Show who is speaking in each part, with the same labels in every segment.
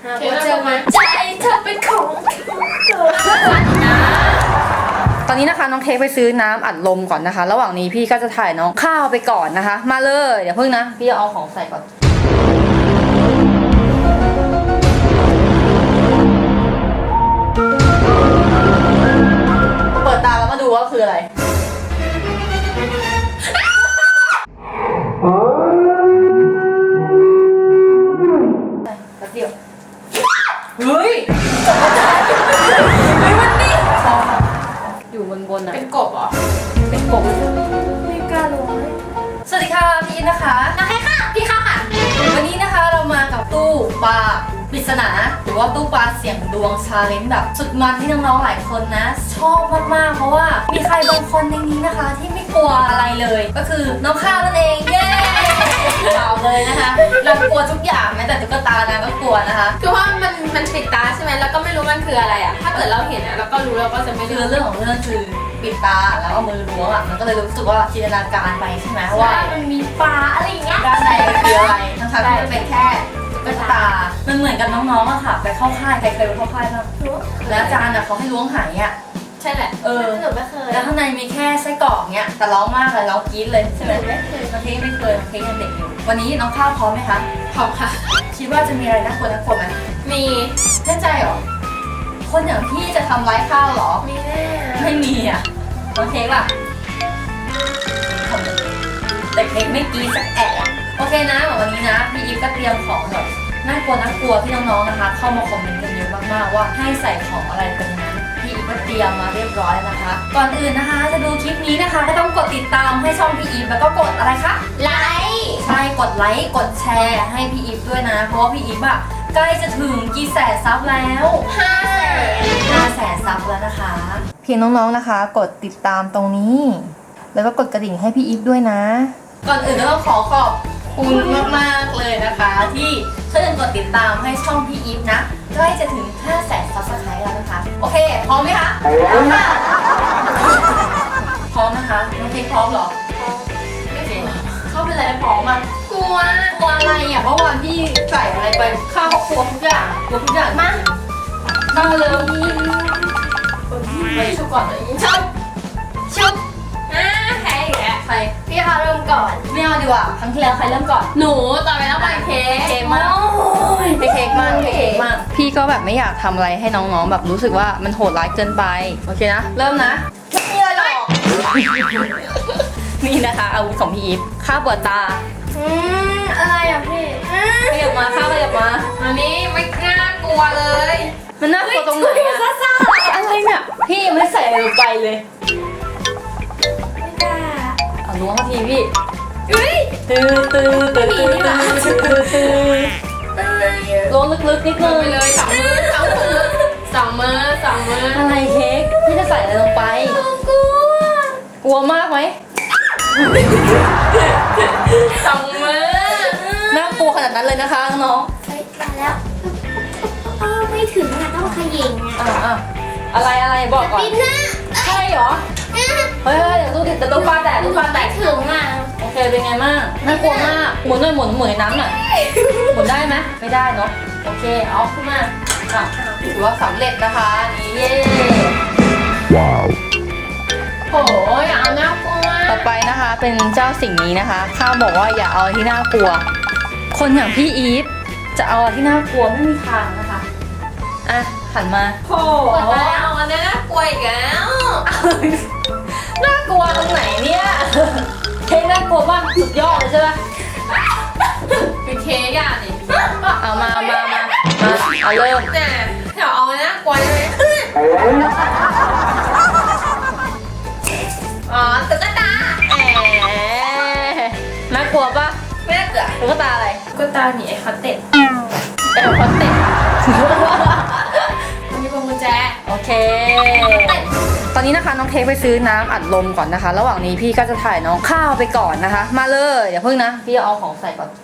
Speaker 1: หัวใจเธอเป็นของ
Speaker 2: ตอนนี้นะคะน้องเค้กไปซื้อน้ำอัดลมก่อนนะคะระหว่างนี้พี่ก็จะถ่ายน้องข้าวไปก่อนนะคะ มาเลยเดี๋ยวเพิ่งนะพี่เอาของใส่ก่อนเปิดตาแล้วมาดูว่าคืออะไรแป๊บเดียวเฮ้ยมันนี่อยู่บนๆนะ
Speaker 1: เป็นกบเหรอ
Speaker 2: เป็นกบ
Speaker 1: ไม่กล้าลงเลย
Speaker 2: สวัสดีค่ะพี่อินนะคะ
Speaker 1: โอเคค่ะพี่ข้าวค่ะ
Speaker 2: วันนี้นะคะเรามากับตู้ปลาปริศนาหรือว่าตู้ปลาเสี่ยงดวงชาเลนจ์แบบสุดมันที่น้องๆหลายคนนะชอบมากๆเพราะว่ามีใครบางคนในนี้นะคะที่ไม่กลัวอะไรเลยก็คือน้องข้าวนั่นเองเย้เราเลยนะคะเรากลัวทุกอย่างแม้แต่ตุ๊กตานะก็กลัวนะคะ
Speaker 1: คือว่ามันปิดตาใช่ไหมแล้วก็ไม่รู้มันคืออะไรอ่ะถ้าเกิดเราเห็นอ่ะเราก็รู้เราก็จะไม่
Speaker 2: คือเรื่องของเรื่องคือปิดตาแล้วเอามือล้วงอ่ะมันก็เลยรู้สึกว่าจินตนาการไปใช่ไหมว่า
Speaker 1: มันมีปลาอะไรอย่างเงี้ย
Speaker 2: ด้านในคืออะไรทั้งๆที่มันเป็นแค่ตุ๊กตามันเหมือนกับน้องๆอะค่ะไปเข้าค่ายใครเคยไปเข้าค่ายบ้างแล้วอาจารย์อะเขาให้ล้วงหายอ่ะ
Speaker 1: ใช่แหละหนูไม่เคย
Speaker 2: แล้วข้างในมีแค่ไส้กรอกเนี้ยแต่ร้องมากเลยร้องกรี๊ดเลยใช่ไหม
Speaker 1: ไม่เคย
Speaker 2: น้องเค้กไม่เคยน้องเค้กยังเด็กอยู่วันนี้น้องข้าวพร้อมไหมคะ
Speaker 1: พร้อมค่ะ
Speaker 2: คิดว่าจะมีอะไรน่ากลัวไหม
Speaker 1: มี
Speaker 2: แน่ใจเหรอคนอย่างพี่จะทำร้ายข้าวเหรอ
Speaker 1: มีแน่
Speaker 2: ไม่มีอ่ะน้องเค้กล่ะแต่เค้กไม่กรี๊ดสักแอะโอเคนะวันนี้นะพี่อีฟก็เตรียมของแบบน่ากลัวที่น้องๆนะคะเข้ามาคอมเมนต์กันเยอะมากๆว่าให้ใส่ของอะไรเป็นนั้นพี่อีฟก็เตรียมมาเรียบร้อยนะคะ ก่อนอื่นนะคะจะดูคลิปนี้นะคะก็ต้องกดติดตามให้ช่องพี่อีฟแล้วก็กดอะไรคะ
Speaker 1: ไลค์
Speaker 2: ใช่กดไลค์กดแชร์ให้พี่อีฟด้วยนะเพราะว่าพี่อีฟอะใกล้จะถึงกี่แสนซับแล้ว5 แสนซับแล้วนะคะเพียงน้องๆนะคะกดติดตามตรงนี้แล้วก็กดกระดิ่งให้พี่อีฟด้วยนะก่อนอื่นก็ต้องขอบคุณมากๆเลยนะคะที่ช่วยกดติดตามให้ช่องพี่อีฟนะใกล้จะถึง5 แสนซับสไครต์แล้วนะคะโอเคพร้อมไหมคะพร้อมค่ะพร้อมนะคะน้องเค้กพร้อมเหรอไม่พร้อมเข้าไปเลยพร้อมอ่ะ
Speaker 1: กลัว
Speaker 2: อะไรอ่ะเมื่อวานพี่ใส่อะไรไปข้าวครัวทุกอย่างมาเลยไปชุบก่อนเลย
Speaker 1: ชุบใครอีกแล้ว
Speaker 2: ใคร
Speaker 1: พี่เขาเริ่มก่อน
Speaker 2: ไม่เอาดีกว่าครั้งที่แล้วใครเริ่มก่อน
Speaker 1: หนูต่อไปแล้วไปเค้ก
Speaker 2: มากเค้กมากพี่ก็แบบไม่อยากทำอะไรให้น้องๆแบบรู้สึกว่ามันโหดร้ายเกินไปโอเคนะเริ่มนะไม่มีอะไรหรอกนี่นะคะอาวุธของพี่อีฟข้าวเปิดตา
Speaker 1: อะไรอ่ะพี่
Speaker 2: ขยับมาข้าวขยับมา
Speaker 1: อันนี้ไม่น่ากลัวเลย
Speaker 2: มันน่ากลัวตรงไหนอะอะไรเนี่ยพี่ยังไม่ใส่อะไรลงไปเลยเอาล้วงมาทีพี่ตื้อล้วงลึกๆนิดนึง
Speaker 1: ไปเลยสองมือ
Speaker 2: อะไรเค้กพี่จะใส่อะไรลงไปกลัวมากไหม
Speaker 1: 2 มือ
Speaker 2: น่ากลัวขนาดนั้นเลยนะคะน้อง
Speaker 1: มาแล้วไม่ถึงนะต้องขยิง
Speaker 2: อ่ะอะไรบอกก่อนใช่เหรอเฮ้ยเดี๋ยวตู้ปลาแตก
Speaker 1: ถึงอ่ะ
Speaker 2: โอเคเป็นไงบ้างน่ากลัวมากหมุนในน้ำหน่อยหมุนได้ไหมไม่ได้เนาะโอเคเอาขึ้นมาถือว่าสำเร็จนะคะนี่เย้
Speaker 3: ว้าว
Speaker 1: โหอย่าเอาน่ากลัว
Speaker 2: ต่อไปนะคะเป็นเจ้าสิ่งนี้นะคะข้าวบอกว่าอย่าเอาที่น่ากลัวคนอย่างพี่อีฟจะเอาที่น่ากลัวไม่มีทางนะคะอ่ะหันมา
Speaker 1: โหเอาอันนี้น่ากลัวอีกแล้ว
Speaker 2: น่ากลัวตรงไหนเนี่ยเค้กน่ากลัวมากสุดยอดเลยใช่ไหม
Speaker 1: เป็นเค้กอ่ะนี่
Speaker 2: เอามาเอาเริ่ม
Speaker 1: เนี่ยเดี๋ยวเอาอันนี้น่ากลัวได้ไหมอ๋อตุ๊กตา
Speaker 2: น่ากลัวปะ
Speaker 1: ไม่น่าเกลือ
Speaker 2: ตุ๊กตาอะไร
Speaker 1: ตุ๊กตาหนีไอ้คอนเต็ดมีพวงกุญแจ
Speaker 2: โอเคตอนนี้นะคะน้องเค้กไปซื้อน้ำอัดลมก่อนนะคะระหว่างนี้พี่ก็จะถ่ายน้องข้าวไปก่อนนะคะมาเลยเดี๋ยวเพิ่งนะพี่เอาของใส่ก่อน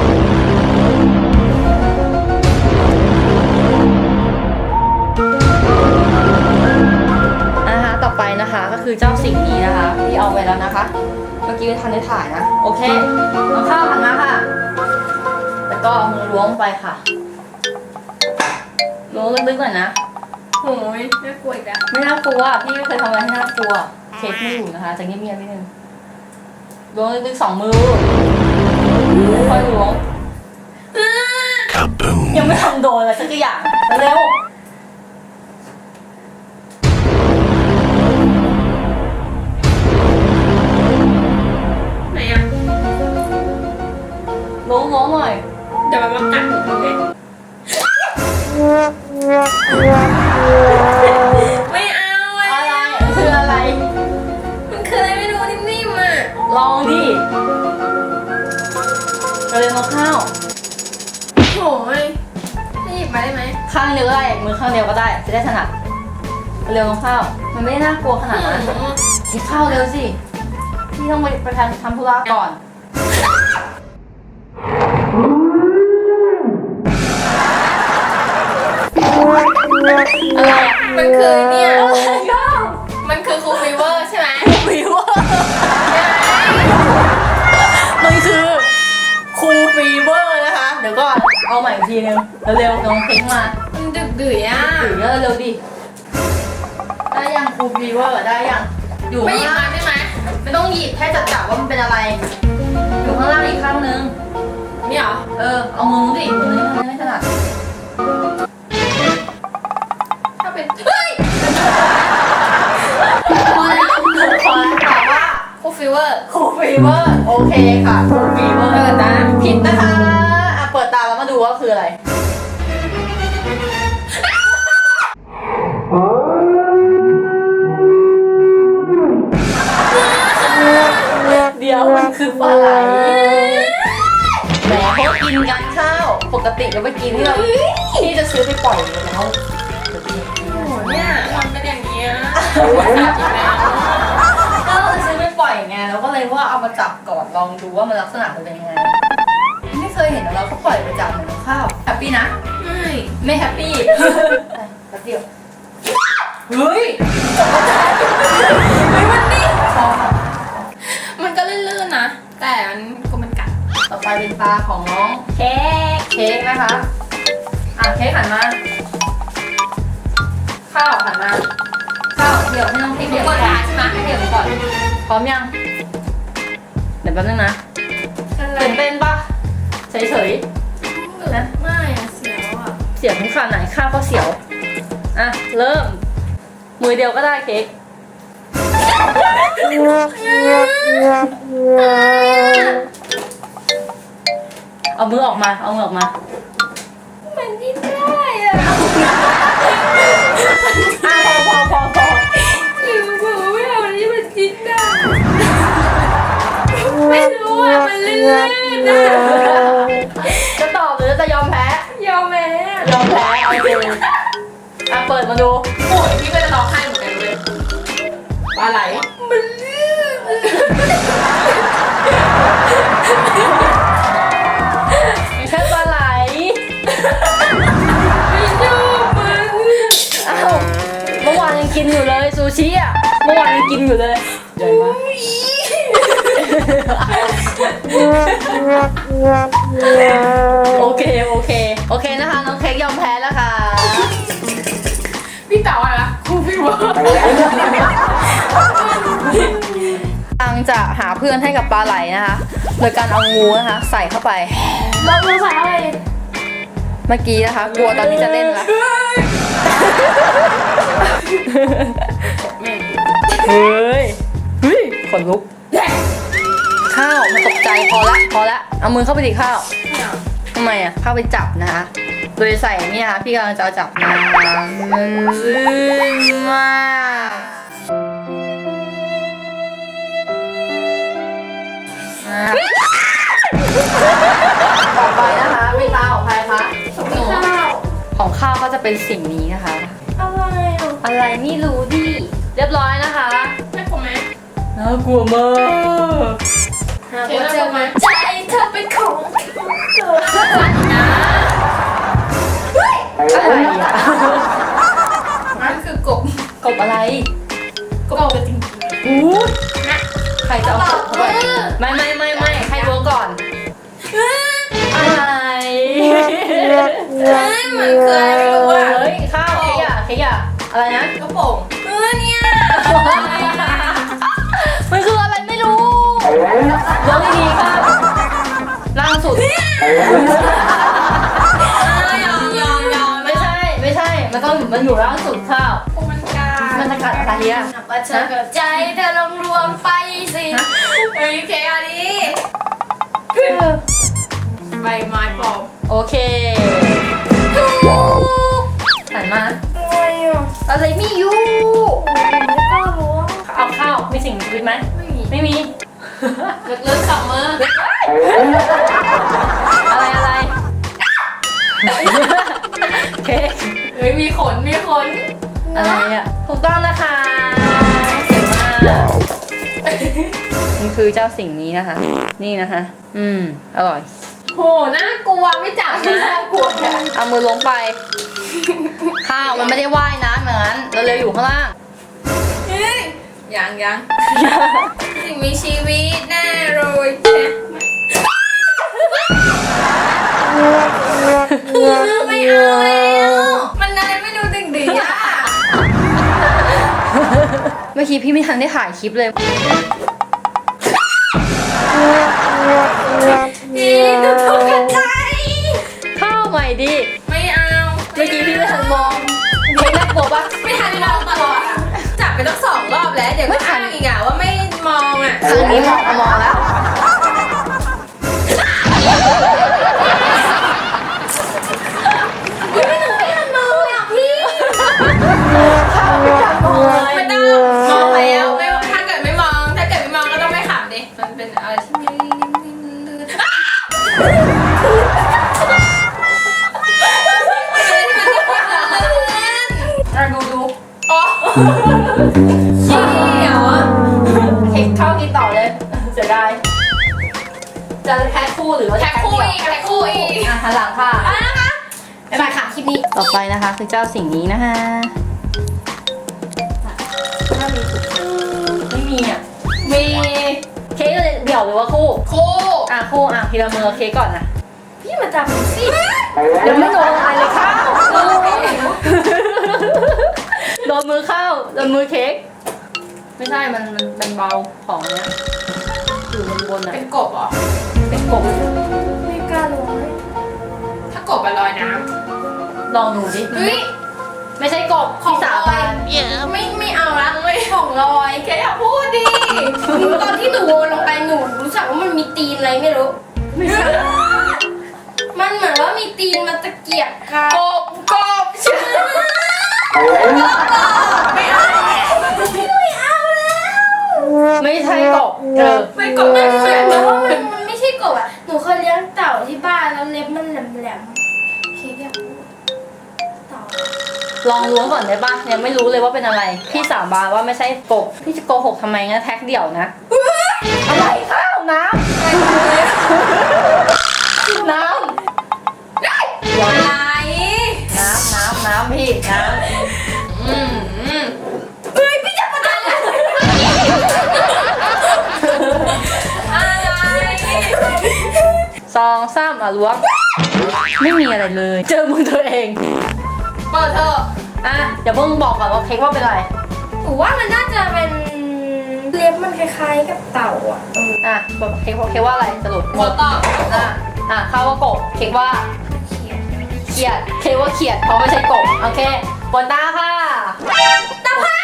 Speaker 2: ต่อไปนะคะก็คือเจ้าสิ่งนี้นะคะที่เอาไว้แล้วนะคะเมื่อกี้ทันได้ถ่ายนะโอเคน้องข้าวหันมาค่ะแล้วก็เอามือล้วงไปค่ะล้วงลึกๆหน่อยนะ
Speaker 1: โอ้ยน่ากลัวอีกแล้ว
Speaker 2: ไม่น่ากลัวพี่ไม่เคยทำอะไรให้น่ากลัวเค้กไม่อยู่นะคะจะเงียบๆนิดนึงล้วงลึกๆ2 มือค่อยล้วง
Speaker 3: Kaboom!
Speaker 2: ยังไม่ทำโดนอะไรสักอย่างเร็ว
Speaker 1: ไหนอ่ะ
Speaker 2: ล้วงหน่อย
Speaker 1: เดี๋ยวมันมากัดหนูเลยไม่เอาอ่ะ
Speaker 2: อะไรมันคืออะไร
Speaker 1: มันคืออะไรไม่รู้นิ่มๆอ่ะ
Speaker 2: ลองดิเร็วๆน้องข้าว
Speaker 1: โอ้ยจะหยิบมาได้ไหม
Speaker 2: ข้างเดียวก็ได้มือข้างเดียวก็ได้จะได้ถนัดเร็วน้องข้าวมันไม่ได้น่ากลัวขนาดนั้นกินข้าวเร็วสิพี่ต้องไปทำธุระก่อน อะไรอ่ะ
Speaker 1: มันคือเนี่ยมันคือคูลฟีเวอร์ใช่ไหม
Speaker 2: ฟีเวอร์มันคือคูลฟีเวอร์นะคะ เดี๋ยวก่อนเอาใหม่อีกทีนึงเร็วๆน้องเพ้งมา
Speaker 1: มันดึกดื่ยอ่ะ
Speaker 2: ถือเร็วๆดิ ได้ยังคูลฟีเวอร์ได้ยัง อยู่
Speaker 1: ไม่หยิบ
Speaker 2: ข้าง
Speaker 1: มา
Speaker 2: ล่าง
Speaker 1: ได้ไหม
Speaker 2: ไม่ต้องหยิบแค่จับว่ามันเป็นอะไร อยู่ข้างล่างอีกข้างนึง
Speaker 1: นี่เหรอ
Speaker 2: เอามือดิมือนี้ไม่ถนัด
Speaker 1: ถ้าเป็นเฮ้ย
Speaker 2: พอแล้วตอบว่า
Speaker 1: คูลฟีเวอร์
Speaker 2: คูลฟีเวอร์โอเคค่ะคูลฟีเวอร์
Speaker 1: เปิดนะ
Speaker 2: ผิดนะคะอ่ะเปิดตาแล้วมาดูว่าคืออะไร เดี๋ยวมันคือปลาไหลแหมเขากินกันข้าว ปกติก็ไปกินที่เราที่จะซื้อไปปล่อยอยู่แล้ว
Speaker 1: โอ้โหเนี่ยมันเป็นอย่างเงี้ยอีกแล้ว
Speaker 2: ก็เราจะซื้อไปปล่อยไงเราก็เลยว่าเอามาจับก่อนลองดูว่ามันลักษณะมันเป็นยังไง ไม่เคยเห็นเราก็ปล่อยประจำเหมือนข้าวแฮปปี้นะ
Speaker 1: ไม่
Speaker 2: ไม่แฮปปี้แป๊บเดียวเฮ้ยมันนี่พอ
Speaker 1: มันก็ลื่นๆนะ แต่มันกัด
Speaker 2: ต่อไปเป็นตาของน้องเค้กนะคะเค้กหันมาข้าวหันมาข้าวเดี๋ยวให้น้องเค้ก
Speaker 1: เดี๋
Speaker 2: เดี๋
Speaker 1: ย
Speaker 2: ยว ว
Speaker 1: ก่
Speaker 2: ก่
Speaker 1: อ
Speaker 2: อน น
Speaker 1: ใช่ไหม
Speaker 2: ให้เดี๋ยวก่อนพร้อมยังเดี๋ยวแป๊บนึงนะ
Speaker 1: อะไร
Speaker 2: ตื่นเต้นปะเฉย
Speaker 1: นะ ไม่อะเสียวอ่ะ
Speaker 2: ๆเสียวทุกขนาดไหนข้าวก็เสียวอ่ะเริ่มมือเดียวก็ได้เค้กเอามือออกมาเอามือออกมา
Speaker 1: มันดิ้นได้อ่ะ
Speaker 2: พอ
Speaker 1: หรือคือไม่เอาอันนี้มันดิ้นได้ ไม่รู้อ่ะ มันลื่นๆนะ
Speaker 2: จะตอบหรือจะยอมแพ้
Speaker 1: ยอมแพ้
Speaker 2: ยอมแพ้เอาดูเปิดมาดู
Speaker 1: โอ้ยพี่ก็จะร้องไห้เหมือนกันเลยปลาไหล มันลื่น
Speaker 2: แค่ปลาไหล
Speaker 1: ไม่ชอบมัน
Speaker 2: อ้าวเมื่อวานยังกินอยู่เลยซูชิอ่ะเมื่อวานยังกินอยู่เลยใหญ่มากโอเคนะคะน้องเค้กยอมแพ้แล้วค่ะ
Speaker 1: พี่เต๋าอะไรล่ะครูพี่ว่า
Speaker 2: กำลังจะหาเพื่อนให้กับปลาไหลนะคะโดยการเอางูนะคะใส่เข้าไป
Speaker 1: เราใส่อะไร
Speaker 2: เมื่อกี้นะคะกลัวตอนนี้จะเล่นละเฮ้ยขนลุกข้าวมันตกใจพอละเอามือเข้าไปดิข้าวทำไมอ่ะเข้าไปจับนะคะโดยใส่เนี่ยค่ะพี่กำลังจะเอาจับมาต่อไปนะคะเวลาของใครคะ
Speaker 1: หนู
Speaker 2: ของข้าวก็จะเป็นสิ่งนี้นะคะ
Speaker 1: อะไรอ่ะ
Speaker 2: อะไรไม่รู้ดิเรียบร้อยนะคะ
Speaker 1: น่ากลัวไหม
Speaker 2: น่ากลัวมาก
Speaker 1: เจอไหมใจเธอเป็นของเธอนะ
Speaker 2: อะไรอ่ะ
Speaker 1: มันคือกบ
Speaker 2: กบอะไร
Speaker 1: กบจริง
Speaker 2: อู้ใครจะเอากบเข้าไปไม่ให้รู้ก่อน อะไร
Speaker 1: มันคืออะไรไม่รู้อ่ะ
Speaker 2: เฮ้ยอะไรนะ
Speaker 1: กระโปรงเนี่ย
Speaker 2: มันคืออะไรไม่รู้ยกดีๆค่ะล่างสุด
Speaker 1: ยอม
Speaker 2: ไม่ใช่มันอยู่ล่างสุดข้าว
Speaker 1: มันกัด
Speaker 2: มันจะกัดอะไรอ่ะ
Speaker 1: ว่าเธอกับใจเธอลงรวมไปสิเฮ้ยเคอันนี้ใบไม้ปลอม
Speaker 2: โอเค
Speaker 3: Wow.
Speaker 2: หันมา
Speaker 1: อะไรอ่ะ
Speaker 2: อะไรไม่อยู่
Speaker 1: ไม่กล้ารู้
Speaker 2: เอาข้าวมีสิ่งมีชีวิตไหม ไม่มี
Speaker 1: เลิกขับมือ
Speaker 2: อะไรเค้ก
Speaker 1: เฮ้ยมีขน
Speaker 2: อะไรอ่ะถูกต้องนะคะเก่งมาก
Speaker 3: Wow.
Speaker 2: มันคือเจ้าสิ่งนี้นะคะ นี่นะคะ อร่อย
Speaker 1: โหน่ากลัวไม่จับนะน่ากลัวอะ
Speaker 2: เอามือลงไป ข้าวมันไม่ได้ว่ายน้ำเหมือนนั้นเราเร็วอยู่ข้างล่าง
Speaker 1: เฮ้ยยังสิ่งมีชีวิตแน่เลยใช่ไม่เอาแล้วมันอะไรไม่ดูดึงดีอ่ะ
Speaker 2: เมื่อกี้พี่ไม่ทันได้ถ่ายคลิปเลย
Speaker 1: ดีดูถูกกันใจ
Speaker 2: ข้าวใหม่ดิ
Speaker 1: ไม่เอา
Speaker 2: เมื่อกี้พี่ไม่ทันมองเค้กน่ากลัวปะ
Speaker 1: ไม่ทันมองตลอดอ่ะจับไปตั้ง2 รอบแล้วเดี๋ยวก็อ้างอีกอ่ะว่าไม่มองอ่ะ
Speaker 2: ครั้งนี้มองแล้ว
Speaker 1: ไม่หนูไม่ทันมองเลยอ่ะพี่
Speaker 2: ข้าวไม่ทันมองเลย
Speaker 1: ไม่ต้องมองแล้วไม่ถ้าเกิดไม่มองก็ต้องไม่ขำดิมันเป็นอะไรที่ไม่ลื่นดูอ๋อเชี่ยวอ่ะ
Speaker 2: เค้กข้าวกินต่อเลยเสียดายจะแพ็คคู่หรือว่าจะ
Speaker 1: แท็กคู่อีก
Speaker 2: หันหลังค่ะ
Speaker 1: นะคะบ๊ายบายค่ะคลิปนี้
Speaker 2: ต่อไปนะคะคือเจ้าสิ่งนี้นะคะไม่มีอ่ะ
Speaker 1: มี
Speaker 2: เค้กเดี่ยวหรือว่าคู่
Speaker 1: คู่
Speaker 2: คู่ทีละมือเค้กก่อนนะ
Speaker 1: พี่มาจับหนูสิ
Speaker 2: ยังไม่โดนอะไรเลยข้าวโดนมือข้าวโดนมือเค้กไม่ใช่มันเบาของเนี้ยอยู่บนๆอ่ะ
Speaker 1: เป็นกบเหรอ
Speaker 2: เป็นกบ
Speaker 1: ไม่กล้าลงถ้ากบอะลอยน้
Speaker 2: ลองดูดิ
Speaker 1: ำเฮ้ย
Speaker 2: ไม่ใช่กบที่สาบาน
Speaker 1: ไม่เอาละไม่ของลอยแค่อย่าพูดดิตอนที่หนูโยนลงไปหนูรู้สึกว่ามันมีตีนอะไรไม่รู้
Speaker 2: ไม่ใช่
Speaker 1: มันเหมือนว่ามีตีนมันตะเกียบกันกบใช่ไม่เอาแล้ว
Speaker 2: ไม่ใช่กบ
Speaker 1: ไม่กบไม่ใช่เพราะว่ามันไม่ใช่กบอ่ะหนูเคยเลี้ยงเต่าที่บ้านแล้วเล็บมันแหลมๆเคอยากพูดเต่า
Speaker 2: ลองล้วงก่อนได้ปะยังไม่รู้เลยว่าเป็นอะไรพี่สาบานว่าไม่ใช่กบพี่จะโกหกทำไมงั้นแท็กเดี่ยวนะอะไรข้าวน้ำน้ำ
Speaker 1: อะไร
Speaker 2: น้ำพี่น้ำ
Speaker 1: เฮ้ยพี่จะประทานอะไร
Speaker 2: 2 3ล้วงไม่มีอะไรเลย เจอมือตัวเอง
Speaker 1: เปิดเถอะ
Speaker 2: เดี๋ยวเพิ่งบอกก่อนว่าเค้กว่าเป็นอะไร
Speaker 1: หนูว่ามันน่าจะเป็นเล็บมันคล้ายๆกับเต่าอ่ะ
Speaker 2: บอกเค้กว่าอะไรสรุป
Speaker 1: ขอตอบ
Speaker 2: ข้าวว่ากบเค้กว่าเขียดเค้กว่าเขียดเพราะไม่ใช่กบโอเคบนตาค่ะตาผ้า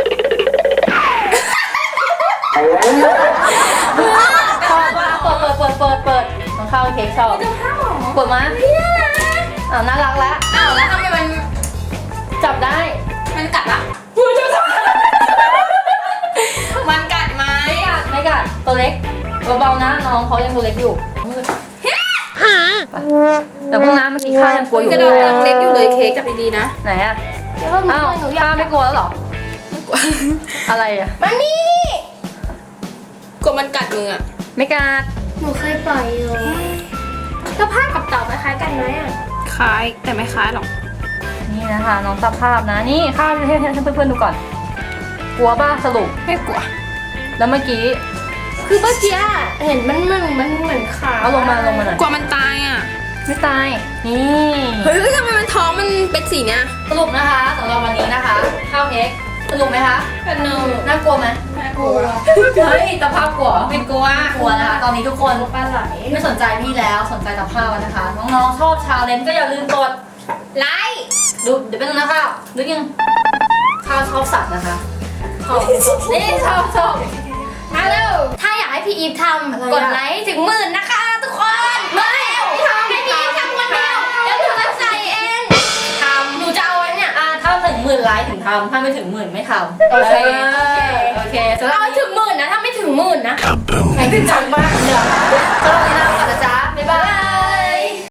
Speaker 2: ชอบมากเปิดน้องข้าวเค้กชอบ
Speaker 1: ตาผ้าหรอ
Speaker 2: เปิดมาน่ารักแล้ว
Speaker 1: อ้าวแล้วทำไมมัน
Speaker 2: จับได้
Speaker 1: มันกัดละมันกัดไหม
Speaker 2: ไม่กัดตัวเล็กเบาๆนะน้องเขายังตัวเล็กอยู่แต่พวกน้ำเมื่อกี้ข้ายังกลัวอยู่
Speaker 1: กระดองยังเล็กอยู่เลยเค้กจับดีๆนะ
Speaker 2: ไหนอะอ้าวข้าไม่กลัวแล้วหรออะไรอะ
Speaker 1: มันนี่กลัวมันกัดมืออ่ะ
Speaker 2: ไม่กัด
Speaker 1: หนูเคยปล่อยอยู่ตาผ้ากับเต่าคล้ายกันไหมอ่ะคล้ายแต่ไม่คล้ายหรอก
Speaker 2: นี่นะคะน้องสภาพนะนี่ข้าให้เพื่อนๆดูก่อน กลัวป่ะสรุป
Speaker 1: ไม่กลัว
Speaker 2: แล้วเมื่อกี้
Speaker 1: คือเมื่อกี้เห็นมันเหมือนขา
Speaker 2: เอาลงมาหน่อย
Speaker 1: กลัวมันตายอ่ะ
Speaker 2: ไม่ตาย นี่
Speaker 4: เฮ้ยทำไมมันท้องมันเป็นสีเนี้ย
Speaker 2: สรุปนะคะสำหรับวันนี้นะคะข้าวเค้กสนุกไหมคะ
Speaker 1: สนุก
Speaker 2: น่ากลัวไหม
Speaker 1: น่ากลัว
Speaker 2: เฮ้ยตะภาพกลัว
Speaker 1: ไม่กลัว
Speaker 2: กลัวนะคะตอนนี้ทุกคน
Speaker 1: ปลาไหล
Speaker 2: ไม่สนใจพี่แล้วสนใจตะภาพนะคะ น้องๆชอบชาเลนจ์ก็อย่าลืมกด
Speaker 1: ไลค์
Speaker 2: ดูเดี๋ยวเป็นงนะข้าวนึกยังข้าวชอบสัตว์นะคะชอบนี่ชอบ
Speaker 1: มาเร็วถ้าอยากให้พี่อีฟท
Speaker 2: อะไร
Speaker 1: ำ
Speaker 2: อะ
Speaker 1: กดไลค์ถึง10,000นะคะทุกคนไม่ทำให้พี่อีฟทำคนเดียวเดี๋ยวหนูจะใส่เองทำหนูจะเอาไว้เนี่ย
Speaker 2: ถ้าถึง10,000 ไลค์ถึงทำถ้าไม่ถึง10,000ไม่ทำ
Speaker 1: โอเค
Speaker 2: โอเคสำหรับ
Speaker 1: เอาให้ถึง10,000นะถ้าไม่ถึง10,000นะ
Speaker 3: Kaboom!
Speaker 2: จริงจังมากเลยสำหรับวันนี้ลาไปก่อนนะจ๊ะบ๊ายบาย